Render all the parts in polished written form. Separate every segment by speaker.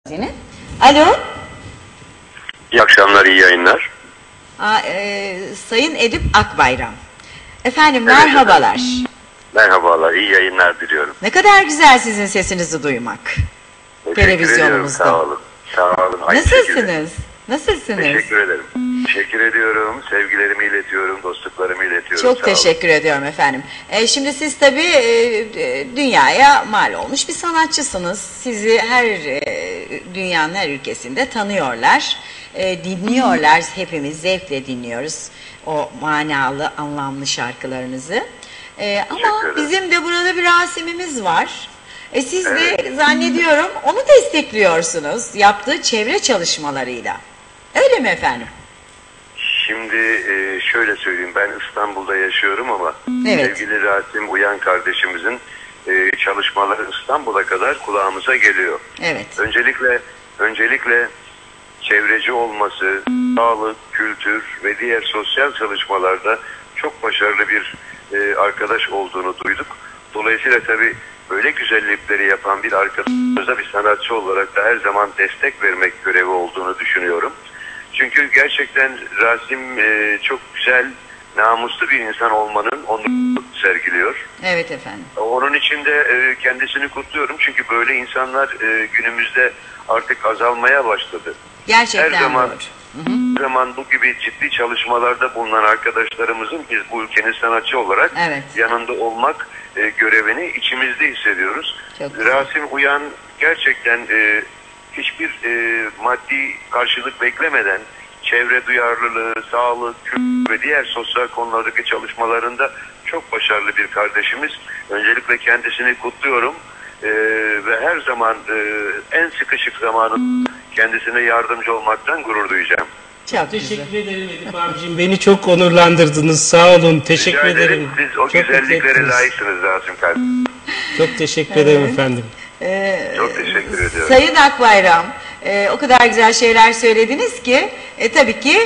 Speaker 1: Yine. Alo.
Speaker 2: İyi akşamlar, iyi yayınlar.
Speaker 1: Sayın Edip Akbayram. Efendim
Speaker 2: Evet,
Speaker 1: merhabalar.
Speaker 2: efendim. Merhabalar, iyi yayınlar diliyorum.
Speaker 1: Ne kadar güzel sizin sesinizi duymak. Televizyonumuzda.
Speaker 2: Sağ olun. Sağ olun.
Speaker 1: Nasılsınız? Nasılsınız?
Speaker 2: Teşekkür ederim. Teşekkür ediyorum. Sevgilerimi iletiyorum, dostluklarımı iletiyorum.
Speaker 1: Çok teşekkür ediyorum efendim. Şimdi siz tabii dünyaya mal olmuş bir sanatçısınız. Sizi dünyanın her ülkesinde tanıyorlar, dinliyorlar. Hepimiz zevkle dinliyoruz o manalı, anlamlı şarkılarınızı. Ama bizim de burada bir Rasim'imiz var. Siz de zannediyorum onu destekliyorsunuz yaptığı çevre çalışmalarıyla. Öyle mi efendim?
Speaker 2: Şimdi şöyle söyleyeyim, ben İstanbul'da yaşıyorum ama sevgili Rasim Uyan kardeşimizin çalışmaları İstanbul'a kadar kulağımıza geliyor.
Speaker 1: Evet.
Speaker 2: Öncelikle çevreci olması, sağlık, kültür ve diğer sosyal çalışmalarda çok başarılı bir arkadaş olduğunu duyduk. Dolayısıyla tabii böyle güzellikleri yapan bir arkadaşımıza bir sanatçı olarak da her zaman destek vermek görevi olduğunu düşünüyorum. Çünkü gerçekten Rasim çok güzel, namuslu bir insan olmanın onurunu sergiliyor.
Speaker 1: Evet efendim.
Speaker 2: Onun için de kendisini kutluyorum. Çünkü böyle insanlar günümüzde artık azalmaya başladı.
Speaker 1: Gerçekten
Speaker 2: her zaman bu gibi ciddi çalışmalarda bulunan arkadaşlarımızın biz bu ülkenin sanatçı olarak yanında olmak görevini içimizde hissediyoruz. Rasim Uyan gerçekten hiçbir maddi karşılık beklemeden çevre duyarlılığı, sağlık, kültür ve diğer sosyal konulardaki çalışmalarında çok başarılı bir kardeşimiz. Öncelikle kendisini kutluyorum ve her zaman en sıkışık zamanı kendisine yardımcı olmaktan gurur duyacağım.
Speaker 3: Çok teşekkür ederim Edip abicim. Beni çok onurlandırdınız. Sağ olun. Teşekkür ederim.
Speaker 2: Siz o çok güzelliklere layıksınız Rasim kardeşim.
Speaker 3: Çok teşekkür ederim efendim.
Speaker 2: Çok teşekkür ediyorum.
Speaker 1: Sayın Akbayram, o kadar güzel şeyler söylediniz ki tabii ki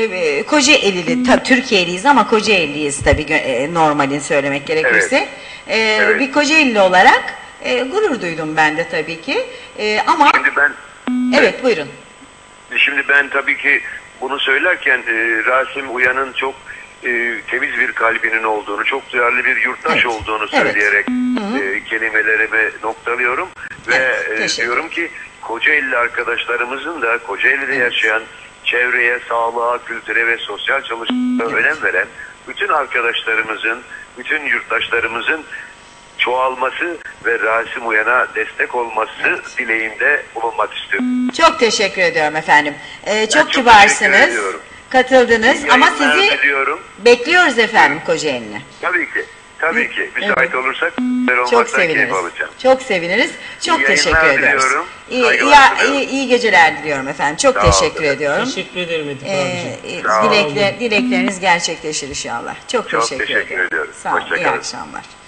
Speaker 1: Kocaeli'li, Türkiye'liyiz ama Kocaeli'yiz tabii normalin söylemek gerekirse. Bir Kocaeli'li olarak gurur duydum ben de tabii ki. Ama
Speaker 2: şimdi ben
Speaker 1: buyurun.
Speaker 2: Şimdi ben tabii ki bunu söylerken Rasim Uyan'ın çok temiz bir kalbinin olduğunu, çok duyarlı bir yurttaş olduğunu söyleyerek kelimelerimi noktalıyorum ve diyorum ki Kocaeli arkadaşlarımızın da Kocaeli'de yaşayan çevreye, sağlığa, kültüre ve sosyal çalışmalara önem veren bütün arkadaşlarımızın, bütün yurttaşlarımızın çoğalması ve Rasim Uyan'a destek olması dileğinde bulunmak istiyorum.
Speaker 1: Çok teşekkür ediyorum efendim. Çok kibarsınız. Katıldınız ama sizi bekliyoruz efendim Kocaeli'ne.
Speaker 2: Tabii ki. Tabii ki. Müsait olursak
Speaker 1: çok seviniriz. Çok seviniriz. Çok teşekkür ederiz. İyi geceler diliyorum efendim. Çok teşekkür ediyorum.
Speaker 3: Teşekkür ederim Edip abicim.
Speaker 1: Dilekleriniz gerçekleşir inşallah. Çok teşekkür ediyorum.
Speaker 2: ediyoruz.
Speaker 1: Sağ olun. İyi akşamlar.